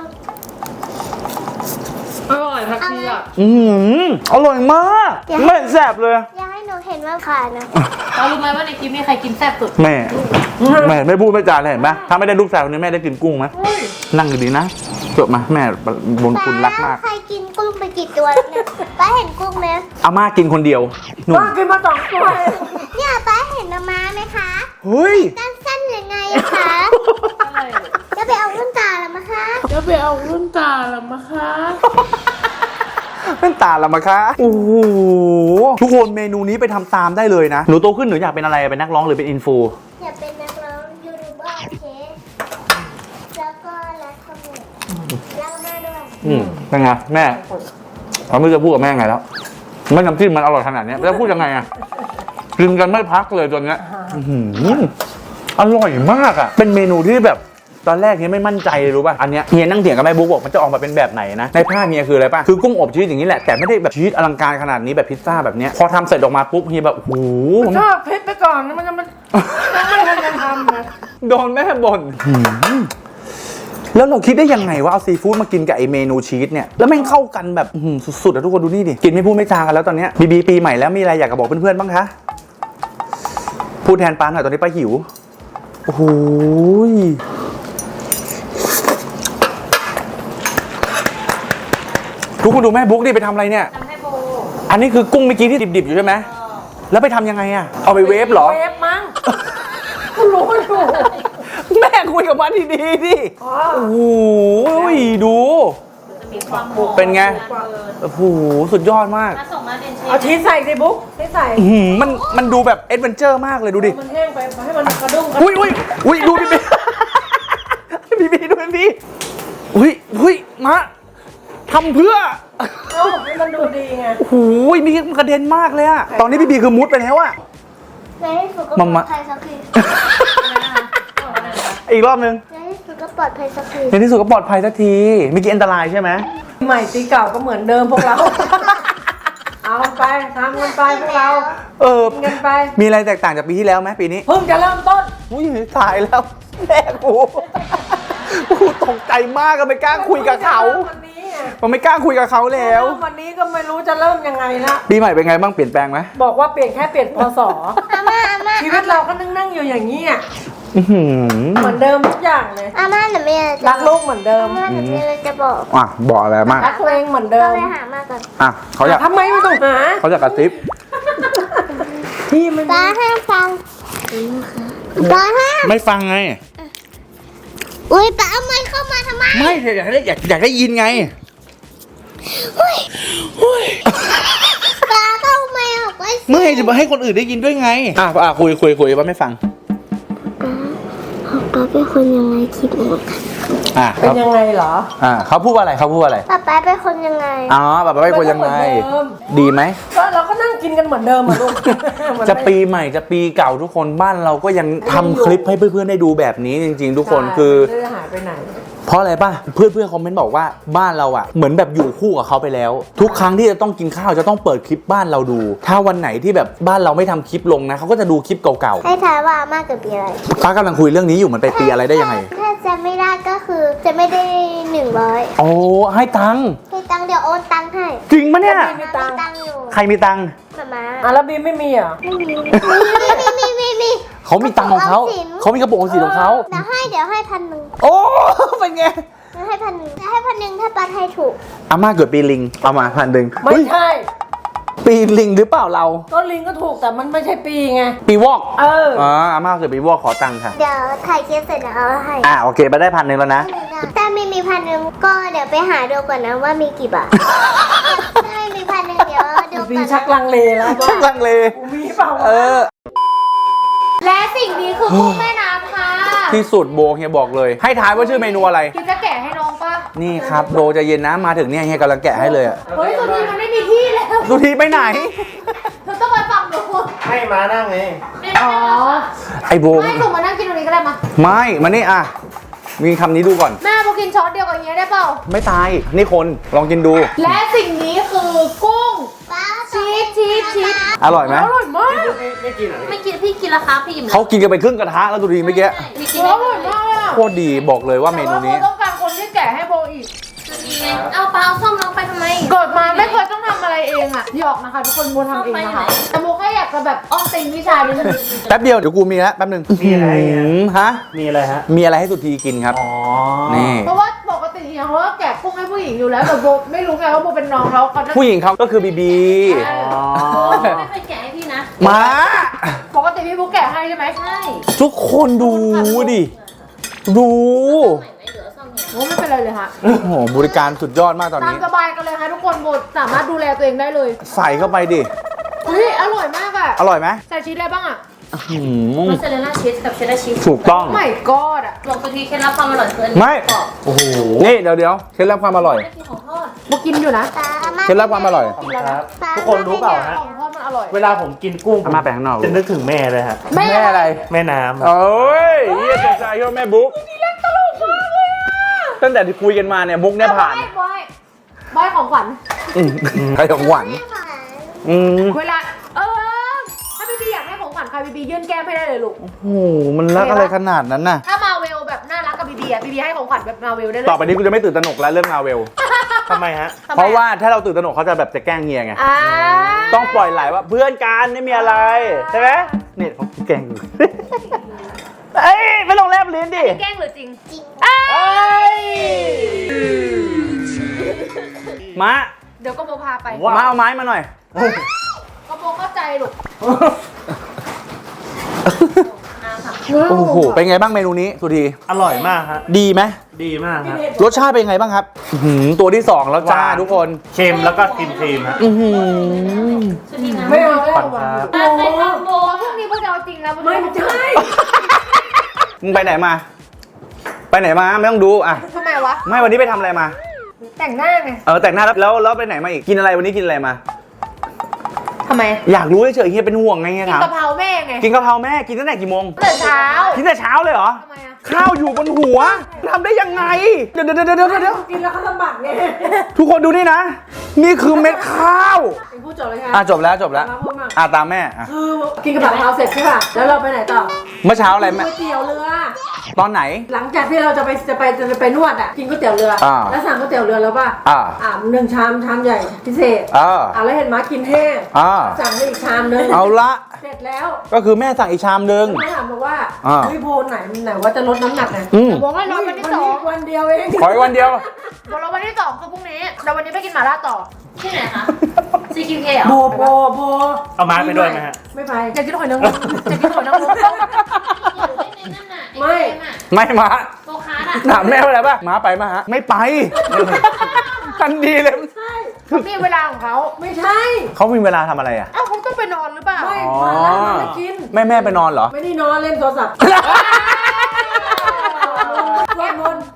Speaker 3: อร่อยผักชีอ่ะ
Speaker 4: อืมอร่อยมาก ไม่แซ่บเลย
Speaker 2: อย่าให้หนูเห็นว่าขาดนะ
Speaker 5: เรารู้ไหมว่าในคลิปนี้ใครกินแซ่บสุด
Speaker 4: แม่ แม่ไม่พูดไม่จาเลยเห็นปะถ้าไม่ได้ลูกสาวคนนี้แม่ได้กินกุ้งไหมนั่งดีๆนะจบมาแม่บุญคุณรักมาก
Speaker 2: ใครกินกุ้งไปกี่ตัวแล้วเนี่ยป้าเห็นกุ้งไหม
Speaker 4: อาม่ากินคนเดียวหนุ่ม
Speaker 3: ป้ากินมาสองตัวเอง
Speaker 2: เนี่ยป้าเห็นมาม้าไหมคะ
Speaker 4: เฮ้ย
Speaker 2: ด้านสั้นยังไงอะคะ
Speaker 5: อะไร
Speaker 2: จะไปเอาวุ้นตาแล้วมั้งคะ
Speaker 3: จะไปเอารุ่นตาละมะคะ
Speaker 4: เป็นตาละมะคะโอ้โหทุกคนเมนูนี้ไปทำตามได้เลยนะหนูโตขึ้นหนูอยากเป็นอะไรเป็นนักร้องหรือเป็นอินฟู
Speaker 2: อยากเป็นนักร้องยูทูบเบอร์เคสแล้วก็รักขโมยรักแม่ด้วย
Speaker 4: อืมเป็นไงแม่เขาไม่รู้จะพูดกับแม่ไงแล้วไม่น้ำจิ้มมันอร่อยขนาดเนี้ยแล้วพูดยังไงอะกินกันไม่พักเลยตัวเนี้ยอื้อหืออร่อยมากอะเป็นเมนูที่แบบตอนแรกเฮียไม่มั่นใจเลยรู้ป่ะอันเนี้ยเฮียนั่งเถียงกับแม่บุ๊กบอกมันจะออกมาเป็นแบบไหนนะในภาพเฮียคืออะไรป่ะคือกุ้งอบชีสอย่างนี้แหละแต่ไม่ได้แบบชีสอลังการขนาดนี้แบบพิซซ่าแบบเนี้ยพอทำเสร็จออกมาปุ๊บเฮียแบบโอ้โห
Speaker 3: ชอบเพชรไปก่อนนะมันจะมันไม่ทันจะทำนะ
Speaker 4: โดนแม่บ่นแล้วเราคิดได้ยังไงว่าเอาซีฟู้ดมากินกับไอเมนูชีสเนี่ยแล้วแม่งเข้ากันแบบอื้อหือสุดๆอะทุกคนดูนี่ดิกินไม่พูดไม่จากันแล้วตอนเนี้ยบีบีปีใหม่แล้วมีอะไรอยากจะบอกเพื่อนๆบ้างคะพูดแทนป้าหน่อยตอนนี้ป้าหิวโอ้โหทุกคนดูแม่บุ๊กดิไปทำอะไรเนี่ย
Speaker 5: ทำให้โบ
Speaker 4: อันนี้คือกุ้งเมื่อกี้ที่ดิบๆอยู่ใช่ไหมแล้วไปทำยังไงอะเอาไปเวฟเหรอ
Speaker 3: เวฟมั้งกูรู้อยู่
Speaker 4: แม่คุยกับมันดีๆดิ
Speaker 3: อ๋อ
Speaker 4: โอ้โหดู
Speaker 5: จะมีความหอม
Speaker 4: เป็นไง โอ้โห สุดยอดมาก
Speaker 5: ถ้าส่งมาเดนเชฟ
Speaker 3: เอาชีสใส่สิบุ๊กชีสใส่
Speaker 4: อื้อหือมันมันดูแบบเอ็ดเวนเจอร์มากเลยดูดิ
Speaker 3: มันแห้งไปให้มันกระดุ้งกระ
Speaker 4: อุ้ยอุ้ยอุ้ยดูพี่บี พี่บีดูพี่บีอุ้ยอุ้ยมาทำเพื่อ
Speaker 3: เอ้าให้มันดูดีไง
Speaker 4: โอ้โหมีมันกระเด็นมากเลยอะตอนนี้พี่บีคือมุดไปแล้วอะ
Speaker 2: ในที่สุดก็ป
Speaker 4: มั
Speaker 2: ล
Speaker 4: ม
Speaker 2: อ
Speaker 4: มะ
Speaker 2: ดภัยสักที
Speaker 4: อีกรอบนึง
Speaker 2: ในที่สุดก็ปลอดภัยสักที
Speaker 4: ในที่สุดก็ปลอดภัยสักทีเมื่อกี้อันตรายใช่ไหม
Speaker 3: ใหม่ตีเก่าก็เหมือนเดิมพวกเรา เอาไปทำกันไปพวกเรา
Speaker 4: เออ
Speaker 3: กินกันไป
Speaker 4: มีอะไรแตกต่างจากปีที่แล้วไหมปีนี้
Speaker 3: เพิ่งจะเริ่มต้น
Speaker 4: อุ้ยตายแล้วแม่กูกูตกใจมากก็ไม่กล้าคุยกับเขา
Speaker 3: วันนี้ไง
Speaker 4: ผมไม่กล้าคุยกับเขาแล้ว
Speaker 3: วันนี้ก็ไม่รู้จะเริ่มยังไงละ
Speaker 4: ปีใหม่เป็นไงบ้างเปลี่ยนแปลงไหม
Speaker 3: บอกว่าเปลี่ยนแค่เปลี่ยนพศ
Speaker 2: อาม่าอาม่า
Speaker 3: ชีวิตเราก็นั่งนั่งๆอยู่อย่างนี้อ่ะ
Speaker 4: อื้อหือ
Speaker 3: เหมือนเดิมทุกอย่างเลย
Speaker 2: อาม่าหนูมีอะไรจะ
Speaker 3: รักลูกเหมือนเดิม
Speaker 2: อาม่าหนูมีอะไรจะบอก
Speaker 4: อ่ะบอกอะไรมาก
Speaker 3: รักตัวเองเหมือนเดิ
Speaker 2: เรา
Speaker 3: ม
Speaker 2: ไปหามาก่อน
Speaker 4: อ่ะเขาอยาก
Speaker 3: ทำไมไม่ต้องหา
Speaker 4: เขาอยากกระซิบ
Speaker 3: พี่มัน
Speaker 2: ป้าห้ามฟังป้าห้าม
Speaker 4: ไม่ฟังไง
Speaker 2: อุ้ยป้าเอาไม้เข้ามาทำไม
Speaker 4: ไม่อยากได้อยากอยากได้ยินไง
Speaker 2: ป้าเข้าไม้ออกไว้สิ
Speaker 4: ไม่จะมาให้คนอื่นได้ยินด้วยไงอ่ะอ่ะคุยคุยคุยว่าไม่ฟัง
Speaker 2: ป้าเป็นคนยังไงคิดหมด
Speaker 4: อ่ะ
Speaker 3: เป็น
Speaker 4: เขา
Speaker 3: ยังไงเหรอ
Speaker 4: อ่ะเขาพูดว่าอะไรเขาพูดว่าอะไร
Speaker 2: ป้าป้าเป็นคนยังไง
Speaker 4: อ๋อแบบไม่ควรยังไง
Speaker 3: เหมือนเดิม
Speaker 4: ดีไหม
Speaker 3: ก็เราก็นั่งกินกันเหมือนเดิมอะลูก
Speaker 4: จะปีใหม่จะปีเก่าทุกคนบ้านเราก็ยังทำคลิปให้เพื่อนๆได้ดูแบบนี้จริง ๆ ทุกคนคือ
Speaker 3: ไม่ได้หายไปไหน
Speaker 4: เพราะอะไรป่ะเพื่อนเพื่อนคอมเมนต์บอกว่าบ้านเราอ่ะเหมือนแบบอยู่คู่กับเขาไปแล้ว ทุกครั้งที่จะต้องกินข้าวจะต้องเปิดคลิปบ้านเราดู ถ้าวันไหนที่แบบบ้านเราไม่ทำคลิปลงนะเขาก็จะดูคลิปเก่า
Speaker 2: ให้ทายว่าอาม่าเกิดปีอะไร
Speaker 4: ๆป้ากำลังคุยเรื่องนี้อยู่มันไปปีอะไรได้ยังไง
Speaker 2: ถ้าจะไม่ได้ก็คือจะไม่ได้หนึ่งร้อย
Speaker 4: โอ้ให้ตังค์
Speaker 2: ให้ตังค์เดี๋ยวโอนตังค์ให้
Speaker 4: จริงปะเนี่ย
Speaker 2: มีตังค์อยู่
Speaker 4: ใครมีตังค์
Speaker 2: มาม่า
Speaker 3: อ่ะแล้วบีมไม่มีเหรอ
Speaker 2: ไม่มีมีมีมีมี
Speaker 4: เขามีตังค์ของเขา
Speaker 2: กระปุกออมสิน
Speaker 4: เขามีกระปุกออมสินของเขา
Speaker 2: เดี๋ยวให้เดี๋ยวให้พันหนึ่ง
Speaker 4: โอ้ เป็นไง
Speaker 2: เดี๋ยวให้พันหนึ่งจะให้พันหนึ่งถ้าปัดให้ถูก
Speaker 4: อาม่าเกิดปีลิงเอามาพันหนึ่ง
Speaker 3: ไม่
Speaker 4: เฮ้ย
Speaker 3: ใช่
Speaker 4: ปีลิงหรือเปล่าเรา
Speaker 3: ก็ลิงก็ถูกแต่มันไม่ใช่ปีไง
Speaker 4: ปีวอก
Speaker 3: เออ
Speaker 4: อ๋ออาม่าเกิดปีวอกขอตังค์ค่ะ
Speaker 2: เดี๋ยวถ่ายคลิปเสร็จเดี๋ยวเอาให้
Speaker 4: อ่าโอเคไปได้พันหนึ่งแล้วนะ
Speaker 2: ถ้าไม่มีพันหนึ่งก็เดี๋ยวไปหาดูก่อนนะว่ามีกี่บาท ถ้าไม่มีพันหนึ่งเดี๋ยวดู
Speaker 3: บี
Speaker 2: ก่อน
Speaker 3: ชักลังเลแล้วว่า
Speaker 4: ชักลังเล
Speaker 3: กูมีเปล่า
Speaker 4: เอ
Speaker 3: วะ
Speaker 4: อ
Speaker 5: และสิ่งนี้คือกุ้งแม่น้ำค่ะ
Speaker 4: ที่สุดโบเฮียบอกเลย ให้ทายว่าชื่อเมนูอะไร
Speaker 5: คิดจะแกะให้น้องปะ
Speaker 4: นี่ครับโบใจะเย็นนะมาถึงเนี่ยเฮียกำลังแกะให้เลยอะ
Speaker 5: เฮ้ยสุธีมันไม่มีที่แล้ว
Speaker 4: สุธีไปไหน
Speaker 5: เธอต้องไปฟังหนู
Speaker 6: ให้มานั่งไง
Speaker 5: อ๋อ
Speaker 4: ไอโบ
Speaker 5: ไม่หนูมานั่งกินตรงนี้ก็ได้มา
Speaker 4: ไม่มานี่อ่ะมีคำนี้ดูก่อน
Speaker 5: แม่พอกินช้อนเดียวกับเฮียได้เปล่า
Speaker 4: ไม่ตายนี่คนลองกินดู
Speaker 5: และสิ่งนี้คือกุ้ง
Speaker 2: ป้า
Speaker 5: ชีสชีสชีส
Speaker 4: อร่อยไหม
Speaker 3: อร่อยมาก
Speaker 6: ไม่ไม่กินเหรอ
Speaker 5: ไม่กินพี่กินและครับพี่อิ่ม
Speaker 4: เขากินกันไปครึ่งกระทะแล้วดูดีเมื่อกี้
Speaker 5: พี่กิน
Speaker 3: อ
Speaker 5: ได้
Speaker 3: ร่อยมากเลยอะ
Speaker 4: โคตรดีบอกเลยว่าเมนูนี้
Speaker 3: แต่ว่าโบต้องการคนที่แกะให้โบอีก
Speaker 5: เอาปลาเอาส้มน้องไปทำไม
Speaker 3: เกิดมาไม่เคยต้องทำอะไรเองอะหยอกนะคะทุกคนโบทำเองนะคะแต่โบแค่อยากจะแบบอ้อมติงวิชานี้นึง
Speaker 4: แป๊บเดียวเดี๋ยวกูมีแล้วแป๊บหนึง
Speaker 6: มีอะไร
Speaker 4: หืมฮะ
Speaker 6: มีอะไรฮะ
Speaker 4: มีอะไรให้สุธีกินครับ
Speaker 6: อ๋อ
Speaker 4: นี่
Speaker 3: เพราะว่าปกติเนี่ยเขาก็แกะกุ้งให้ผู้หญิงอยู่แล้วแต่โบไม่รู้ไงว่าโบเป็นน้องเขาเขาจะ
Speaker 4: ผู้หญิงเขาก็คือบีบี
Speaker 6: อ๋อ
Speaker 5: ไม่เคยแกะให้พี่นะ
Speaker 4: มา
Speaker 3: ปกติพี่บุ๊กแกะให้ใช่ไหม
Speaker 5: ใช่
Speaker 4: ทุกคนดูดิ ดู
Speaker 5: ไม่เหลือส้มเนี่ย
Speaker 3: โอ้ไม่เป็นไรเลยค่ะ
Speaker 4: โอ้โหบริการสุดยอดมากตอน
Speaker 3: ตาม
Speaker 4: นี้
Speaker 3: สบายกันเลยค่ะทุกคนโบสามารถดูแลตัวเองได้เลย
Speaker 4: ใส่เข้าไปดิ
Speaker 3: เฮ้ยอร่อยมากอะ
Speaker 4: อร่อยไหม
Speaker 3: ใส่ชีสอะไรบ้างอะ
Speaker 4: หืม
Speaker 5: มอสซาเรลล่าชีสกับเชดดาร์ชีส
Speaker 4: ถูกต้อง
Speaker 3: ไม่กอดอะ
Speaker 5: บอกสุธีเคล็ดลับความอร่อยคืออัน
Speaker 4: ไม่
Speaker 5: กรอบ
Speaker 6: โอ้โห
Speaker 4: นี่เดี๋ยวเดี๋ยวเคล็ดลับความอร่อย
Speaker 5: ไม่กินของทอด
Speaker 3: โบกินอยู่นะ
Speaker 2: ป้าอาม่า
Speaker 4: เคล็ดลับความอร่อย
Speaker 6: ขอบคุณครับ ทุกคนรู้เปล่าฮะ
Speaker 3: ของทอดมันอร่อย
Speaker 6: เวลาผมกินกุ้ง
Speaker 4: อาม่าไปข้างนอก
Speaker 6: จะนึกถึงแม่เลยฮะ
Speaker 3: แม่
Speaker 4: แม่อะไร
Speaker 6: แม่น้ำอะ
Speaker 4: โอ้ยเยี่ยมใจก็แม่บุ๊กตั้งแต่ที่คุยกันมาเนี่ยบุ๊กเนี่ยผ่าน
Speaker 3: บอยบอยของขวัญ
Speaker 4: อืมใครของหวานอืม
Speaker 3: เวลา เออ ถ้าพี่บีอยากให้ของขวัญใครบีบียื่นแก้มให้ได้เลยลูก
Speaker 4: โอ้โหมันรักอะไรขนาดนั้นน่ะ
Speaker 3: ถ้ามาเวลแบบน่ารักกับบีบีอะบีบีให้ของขวัญแบบมาเวลได้เลย
Speaker 4: ต่อไปนี้กูจะไม่ตื่นตระหนกแล้วเรื่องมาเวล
Speaker 6: ทำไมฮะ
Speaker 3: ทำไม
Speaker 4: เพราะว่าถ้าเราตื่นตระหนกเขาจะแบบจะแกล้งเฮียไง
Speaker 3: อ่า
Speaker 4: ต้องปล่อยไหลว่าเพื่อนกันไม่มีอะไรใช่ไหมเนี่ยเขาแกล้งอยู่ เอ้ยไม่ลงแลบลิ้นดิ
Speaker 5: แกล้งหรือจริง
Speaker 4: เอ้ยมา
Speaker 3: เดี๋ยวก็โบพาไป
Speaker 6: ว้าว
Speaker 4: มาเอาไม้มาหน่อย
Speaker 3: ก็โบเข้าใจลูก
Speaker 4: โอ้โหเป็นไงบ้างเมนูนี้สุธี
Speaker 6: อร่อยมากฮะ
Speaker 4: ดีไหม
Speaker 6: ดีมากฮะ
Speaker 4: รสชาติเป็นไงบ้างครับอื้อหือตัวที่สองแล้วจ้า
Speaker 6: หวาน
Speaker 4: ทุกคน
Speaker 6: เค็มแล้วก็ครีมครีมๆฮะ
Speaker 4: อื้อหือ
Speaker 5: สุธีนะ
Speaker 3: ไม่เอาไม่
Speaker 6: ขอ
Speaker 3: เอา
Speaker 6: บคุณครับ
Speaker 3: โอ้
Speaker 5: ใครทำโบ
Speaker 3: พรุ่งนี้พวกจะเอาจริงนะไม่ใช่
Speaker 4: มึงไปไหนมา ไปไหนมาไม่ต้องดูอ่ะ
Speaker 3: ทำไมวะ
Speaker 4: ไม่วันนี้ไปทำอะไรมา
Speaker 3: แต่งหน้าไง
Speaker 4: เออแต่งหน้าแล้วแล้วแล้วไปไหนมาอีกกินอะไรวันนี้กินอะไรมา
Speaker 3: ทำไม
Speaker 4: อยากรู้เฉยๆเฮียเป็นห่วงไงเฮีย
Speaker 3: กิน
Speaker 4: ถาม
Speaker 3: กะเพราแม่ไง
Speaker 4: กินกะเพราแม่กินตั้งแต่กี่โมง
Speaker 3: ตื่นเช้า
Speaker 4: กินแต่เช้าเลยเหรอ
Speaker 3: ทำไมอะ
Speaker 4: ข้าวอยู่บนหัวทำได้ยังไง เดี๋ยวเดี๋ยวเดี๋ยวเดี๋ยวเดี๋ยว
Speaker 3: กินแล้วเขาลำบากไง
Speaker 4: ทุกคนดูนี่นะ นี่คือเม็ดข้าว
Speaker 3: เป็นผู้จบเลยค่ะ
Speaker 4: อ่ะจบแล้วจบแล้ว
Speaker 3: มาพูดมา
Speaker 4: อ่ะตามแม่อ่ะ
Speaker 3: คือกินกะเพราเสร็จใช่ป่ะแล้วเราไปไหนต่อ
Speaker 4: เมื่อเช้าอะไรแม่
Speaker 3: ก๋วยเตี๋ยวเรือ
Speaker 4: ตอนไหน
Speaker 3: หลังจากที่เราจะไปจะไปจะไปนวดอ่ะกินก๋วยเตี๋ยวเรืออา แล้วสั่งก๋วยเตี๋ยวเรือแล้วป่ะ
Speaker 4: อ่า
Speaker 3: อ่าหนึ่งชามชามใหญ่พิเศษ
Speaker 4: อ่า
Speaker 3: อ่าแล้วเห็นม้ากินแห้ง
Speaker 4: อ่า
Speaker 3: สั่งได้อีกชามนึง
Speaker 4: เอาละ
Speaker 3: เสร็จแล้ว
Speaker 4: ก็คือแม่สั่งอีกชามนึง
Speaker 3: ม้าถามบอกว่า
Speaker 4: อ่า
Speaker 3: วิโพไหนไหนว่าจะลดน้ำหนักไง
Speaker 4: อืม
Speaker 3: บอกให้รอวันที่สองวันเดียวเอง
Speaker 4: ขออีกวันเดียว
Speaker 3: บอกเราวันที่สองคือพรุ่งนี้แต่วันนี้ไปกินหม่าล่าต่อ
Speaker 5: ที่ไหนคะ ซี คิว เค เหรอ
Speaker 3: โบโบโบ
Speaker 6: เอามาไปด้วยไหมฮะ
Speaker 3: ไม่ไปอยากกินหอยนางรมอยากกินหอยนางรม
Speaker 5: อยู่ได้ในนั่นน่ะ
Speaker 3: ไม่
Speaker 5: อ้เกอะ
Speaker 4: ไม่มา
Speaker 5: โกคาร์ดอะ
Speaker 4: ถามแม่ว่าอะไรป่ะมาไปมาฮะ ไม่ไปทันทีเลย
Speaker 3: เขามีเวลาของเขาไม่ใช่
Speaker 4: เขามีเวลาทำอะไรอ่ะ
Speaker 3: เอ้าเขาต้องไปนอนหรือเปล่าไม่
Speaker 4: อ๋อ
Speaker 3: หม่าล่ามันไม่กิน
Speaker 4: แม่แม่ไปนอนเหรอ
Speaker 3: ไม่ได้นอนเล่นโทรศัพท์สวดมนต์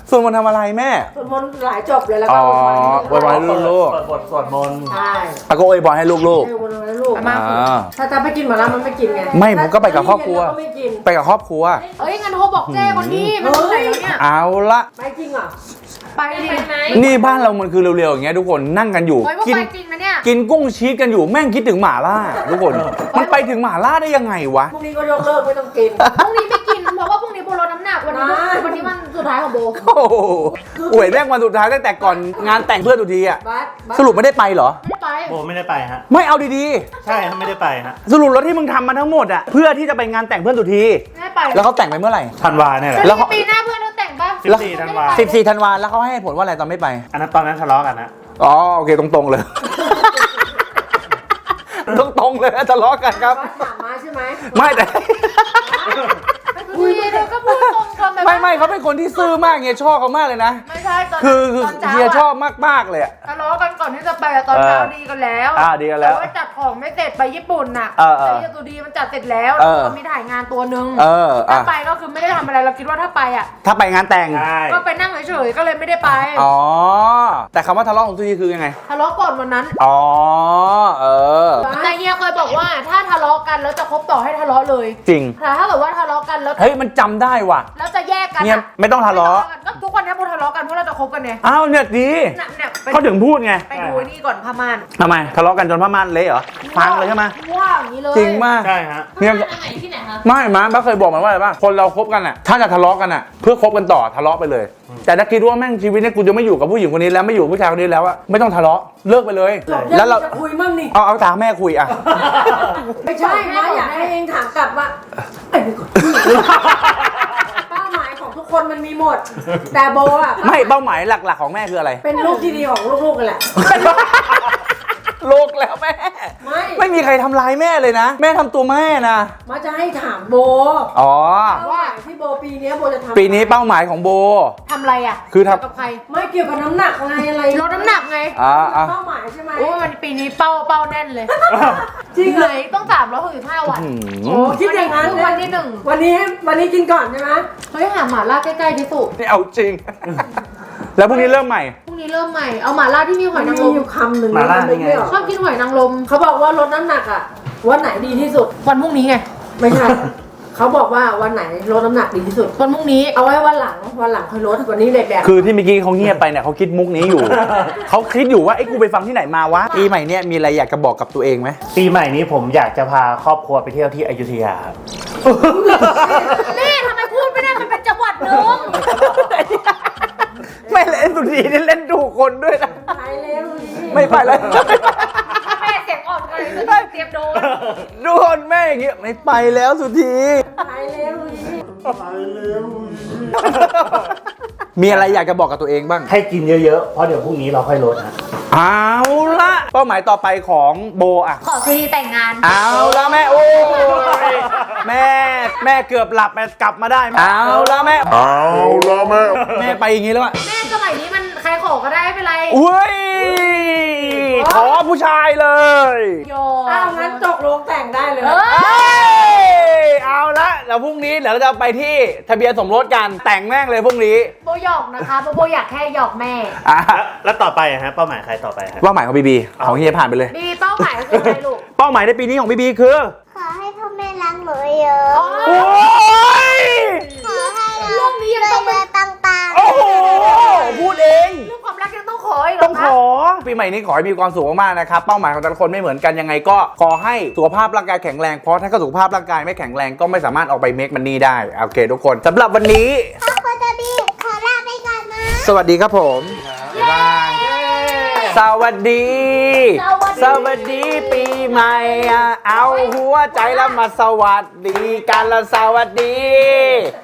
Speaker 4: สวดมนต์ทำอะไรแม่
Speaker 3: สวดมนต์หลายจบเลยแล้ว
Speaker 4: อ๋
Speaker 3: ก็
Speaker 4: อ
Speaker 3: อวยพรให้
Speaker 4: ไว้ให้ลูก
Speaker 6: เปิดบทสวดมนต์
Speaker 3: ใช่
Speaker 4: ๆอาก็อวยพรให้ลูก
Speaker 3: ให้อวยพรให้ลูก
Speaker 4: ๆอ่า
Speaker 3: ถ้าจะไปกินหมาล่ามันไม่กินไง
Speaker 4: ไม่ผมก็ไปกับครอบครัว
Speaker 3: ถ้าไม่กิน
Speaker 4: ไปกับครอบครัว
Speaker 5: เอ้ยงั้นโทรบอกเจ้คนที่มันอยู่ไหนแล้วเนี่ย
Speaker 4: เอาละ
Speaker 3: ไปจริงเหรอ
Speaker 5: ไปดิไหม
Speaker 4: นี่บ้านเรามันคือเร็วๆอย่างเงี้ยทุกคนนั่งกันอยู่
Speaker 5: เฮ้ยว่า
Speaker 4: กิน
Speaker 5: ไปจริงนะเนี่ย
Speaker 4: กินกุ้งชีสกันอยู่แม่งคิดถึงหม่าล่าทุกคน มันไปถึงหม่าล่าได้ยังไงวะ
Speaker 3: พรุ่งนี้ก็ยกเลิกไม่ต้องกิน
Speaker 5: พรุ่งนี้ไม่กินเพราะว่าพรุ่งนี้โบลดน้ำหนักวันนี้
Speaker 3: ไม่
Speaker 5: วันนี้วันสุดท้ายของโบ
Speaker 4: โอ้โหอวยแม่งวันสุดท้ายตั้งแต่ก่อนงานแต่งเพื่อนทุกทีอะ
Speaker 3: บัสบัส
Speaker 4: สรุปไม่ได้ไปเหรอ
Speaker 5: ไม่ได้ไป
Speaker 6: โบไม่ได้ไปฮะ
Speaker 4: ไม่เอาดี
Speaker 6: ใช่ฮะไม่ได้ไปฮะ
Speaker 4: ๆ สรุปแล้วที่มึงทำมาทั้งหมดอะเพื่อที่จะไปงานแต่งเพื่อนทุกที
Speaker 5: ไม่ได้ไป
Speaker 4: แล้วเขาแต่งไปเมื่อไหร่
Speaker 6: ธันวาเนี่ยแหละ
Speaker 4: แล้
Speaker 5: แล้ว ว
Speaker 4: เขา
Speaker 5: ปีหน้าเพื่อนเขาแต่งปะ
Speaker 6: สิบสี่ธันวา
Speaker 4: สิบสี่ธันวาแล้วเขาให้เหตุผลว่าอะไรตอนไม่ไป
Speaker 6: อันนั้นตอนนั้นทะเลาะกันนะ
Speaker 4: อ๋อโอเคตรงๆเลย ตรงๆเลยทะเลาะกันครับ
Speaker 3: บัสหมาม้าใช่ไหม
Speaker 4: ไม่แต่
Speaker 5: คุยเธอก็พูดตรงกันแบบ
Speaker 4: ไม่ไม่เขาเป็นคนที่ซื่อมากเฮียชอบเขามากเลยนะ
Speaker 5: ไม่ใช่ตอน
Speaker 4: คือคือ
Speaker 5: ตอนเช้า
Speaker 4: เฮียชอบ
Speaker 5: อะ
Speaker 4: มากๆเลยอะ
Speaker 5: ทะเลาะกันก่อนที่จะไปอะตอนเช้า
Speaker 4: เออ
Speaker 5: ดีกันแล้ว
Speaker 4: อ่าดีกันแล้ว
Speaker 5: ต่ว่าจัดของไม่เสร็จไปญี่ปุ่นน่ะ
Speaker 4: เออเออ
Speaker 5: แต่ยาตูดีมันจัดเสร็จแล้ว
Speaker 4: เอ
Speaker 5: แล้ว
Speaker 4: อ
Speaker 5: ก็มีถ่ายงานตัวหนึง
Speaker 4: เออ
Speaker 5: ถ้า
Speaker 4: อ่ะ
Speaker 5: ไปก็คือไม่ได้ทำอะไรเราคิดว่าถ้าไปอ่ะ
Speaker 4: ถ้าไปงานแต่ง
Speaker 6: ใช่
Speaker 5: ก็ไปนั่งเฉยๆก็เลยไม่ได้ไป
Speaker 4: อ๋อ แต่คำว่าทะเลาะของทุกทีคือยังไง
Speaker 5: ทะเลาะก่อนวันนั้น
Speaker 4: อ๋อ เออ
Speaker 5: แต่เฮียเคยบอกว่าถ้าทะเลาะกันแล้วจะคบต่อให้ทะเลาะเลย
Speaker 4: จริง
Speaker 5: แต่ถ้าเกิดว่าทะเลาะกันแล้ว
Speaker 4: เฮ้ย มันจำได้ว่ะ
Speaker 5: แล้วจะแยกกัน
Speaker 4: เนี่ย
Speaker 5: อะ
Speaker 4: ไม่ต้องทะเลาะ
Speaker 5: ก็ทุกวันนี้พวกทะเลาะกันเพราะเราจะคบกันไง
Speaker 4: อ้าวเนี่ยดี
Speaker 5: เนี่ยเนี่ยไป
Speaker 4: เขาถึงพูดไง
Speaker 5: ไปดูไอ้นี่ก่อนพม่าน
Speaker 4: ทำไม ทะเลาะกันจนผ้าม่านเละเหรอ พังเลยใช่ไหม
Speaker 5: ว่าอย่างนี้เลย
Speaker 4: จริงมาก
Speaker 6: ใช่ฮะ
Speaker 4: เนี่ย
Speaker 5: พม่านอันไหนที่ไหนคะ
Speaker 4: ไม่มาบ้าเคยบอกมันว่าอะไรบ้างคนเราคบกันอ่ะ ถ้าจะทะเลาะกันอ่ะ เพื่อคบกันต่อทะเลาะไปเลย แต่ถ้าคิดว่าแม่งชีวิตเนี่ยกูจะไม่อยู่กับผู้หญิงคนนี้แล้วไม่อยู่กับผู้ชายคนนี้แล้วอะไม่ต้องทะเลาะเลิกไปเลย แล้วเรา
Speaker 3: จะคุยมั่งนี่
Speaker 4: เอาเอาตามแม่คุยอะ
Speaker 3: ไม่ใช่ม้าอยากให้เองถามกลับว่าไอ้นี่ก่อนเป้าหมายของทุกคนมันมีหมด แต่โบอ่ะ
Speaker 4: ไม่เป้าหมายหลักๆของแม่คืออะไร
Speaker 3: เป็นลูกที่ดีของลูกๆกันแหละ
Speaker 4: โลกแล้วแม่
Speaker 3: ไม่
Speaker 4: ไม่มีใครทำร้ายแม่เลยนะ แม่ทำตัวแม่นะ
Speaker 3: มาจะให้ถามโบ
Speaker 4: อ๋อ
Speaker 3: ว่าที่โบปีเนี้ยโบจะทำ
Speaker 4: ปีนี้เป้าหมายของโบ
Speaker 5: ทำอะไรอ่ะ
Speaker 4: คือทำ
Speaker 5: เกี่ยวกับใคร
Speaker 3: ไม่เกี่ยวกับน้ำหนักไงอะไร
Speaker 5: ลดน้ำหนักไง
Speaker 4: อ่าอ่า
Speaker 3: เป้าหมายใช่ไหม
Speaker 5: โอ้ยมันปีนี้เป้าเป้าแน่นเลย
Speaker 3: จริง
Speaker 5: ไห
Speaker 3: เล
Speaker 5: น
Speaker 3: ย
Speaker 5: ต้องสามร้อยหกสิบห้าวัน
Speaker 4: อื
Speaker 3: โอ้
Speaker 4: ม
Speaker 3: คิดอย่างนั้น
Speaker 5: วันที่หนึ่ง
Speaker 3: วันนี้วันนี้กินก่อนใช่ไหม
Speaker 5: เฮ้ยหาหมาล่าใกล้ๆที่สุด
Speaker 4: นี่เอาจริง แล้วพรุ่งนี้เริ่มใหม่
Speaker 5: พรุ่งนี้เริ่มใหม่เอาหมาล่าที่มีหอยนางร
Speaker 3: มี
Speaker 5: ม
Speaker 3: อยู่คำหนึ่ง
Speaker 6: มาล่านี่ไง
Speaker 3: ม่ออก
Speaker 5: ชอบกินหอยนางรม
Speaker 3: เขาบอกว่าลดน้ำหนักอ่ะวันไหนดีที่สุด
Speaker 5: วันพรุ่งนี้ไง
Speaker 3: ไม่ใช่ เขาบอกว่าวันไหนลดน้ำหนักดีที่สุด
Speaker 5: วันพรุ่งนี้
Speaker 3: เอาไว้วันหลังวันหลังค่อยลดวันนี้เด็กแดก
Speaker 4: คือที่เมื่อกี้เขาเงียบไปเนี่ยเขาคิดมุกนี้อยู่ เขาคิดอยู่ว่าไอ้กูไปฟังที่ไหนมาวะปีใหม่เนี่ยมีอะไรอยากจะบอกกับตัวเองไหม
Speaker 6: ปีใหม่นี้ผมอยากจะพาครอบครัวไปเที่ยวที่อยุธยาครับ
Speaker 5: นี่ทำไมพูดไม่ได้มันเป็นจังหวัดหนึง
Speaker 4: ไม่เล่นสุดีนี่เล่นถูกคนด้วยนะ
Speaker 3: ไปแล้วดูดิ
Speaker 4: ไม่ไปเลย
Speaker 5: แม่เสียงอ่อนกันเลยเตรียมโดน
Speaker 4: ดูคนแม่อย่างเงี้ยไม่ไปแล้วสุธี
Speaker 3: ไปแล้วดูดิ
Speaker 4: มีอะไรอยากจะบอกกับตัวเองบ้าง
Speaker 6: ให้กินเยอะๆ เพราะเดี๋ยวพรุ่งนี้เราค่อยลดฮะ
Speaker 4: เอาละเป้าหมายต่อไปของโบอะ
Speaker 5: ขอซีดีแต่งงาน
Speaker 4: เอาละแม่โอ้ยแม่แม่เกือบหลับแม่กลับมาได้เอาละแม่เอาละแม่แม่ไปอย่างงี้แล้วอะ
Speaker 5: แม่สมัยนี้มันใครขอก็ได้ไม่เป็นไร
Speaker 4: อุ้ยขอผู้ชายเลย
Speaker 5: โย
Speaker 3: อ้าวงั้นจกลงแต่งได้เลย
Speaker 5: เอ
Speaker 4: เอ้ยเอาละเดี๋ยวพรุ่งนี้เดี๋ยวเราจะไปที่ทะเบียนสมรสกันแต่งแม่งเลยพรุ่งนี้
Speaker 5: โบหยอกนะคะโบโบอยากแค่หยอกแม่
Speaker 4: อ่ะ
Speaker 6: แล้วแล้วต่อไปอะฮะเป้าหมายใครต่อไปฮะ
Speaker 4: เป้าหมายของบีบีของเฮียผ่านไปเลย
Speaker 5: มีเป้าหมายก็คืออะไรลูก
Speaker 4: เป้าหมายในปีนี้ของบีบีคือ
Speaker 2: ขอให้พ่อแม่รักหนูเยอะ
Speaker 4: โอ้ย
Speaker 2: ขอให้
Speaker 5: เรื่องนี้ยังต้อง
Speaker 2: เรือปังปัง
Speaker 4: โอ้โหพูดเอง
Speaker 5: เรื่องความรักยังต้องขออีกเหร
Speaker 4: ต้อ
Speaker 5: อง
Speaker 4: ข
Speaker 5: คะ
Speaker 4: อปีใหม่นี้ขอให้มีความสุขมากๆนะครับเป้าหมายของแต่ละคนไม่เหมือนกันยังไงก็ขอให้สุขภาพร่างกายแข็งแรงเพราะถ้าเกิดสุขภาพร่างกายไม่แข็งแรงก็ไม่สามารถออกไปเมคมันนี่ได้โอเคทุกคนสำหรับวันนี้
Speaker 2: พ่อโคตบีขอลาไปก่อนนะ
Speaker 4: สวัสดีครับผมบ๊ายบายสวัสดี สวัสดีปีใหม่อ่ะเอาหัวใจแล้วมาสวัสดีกันละสวัสดี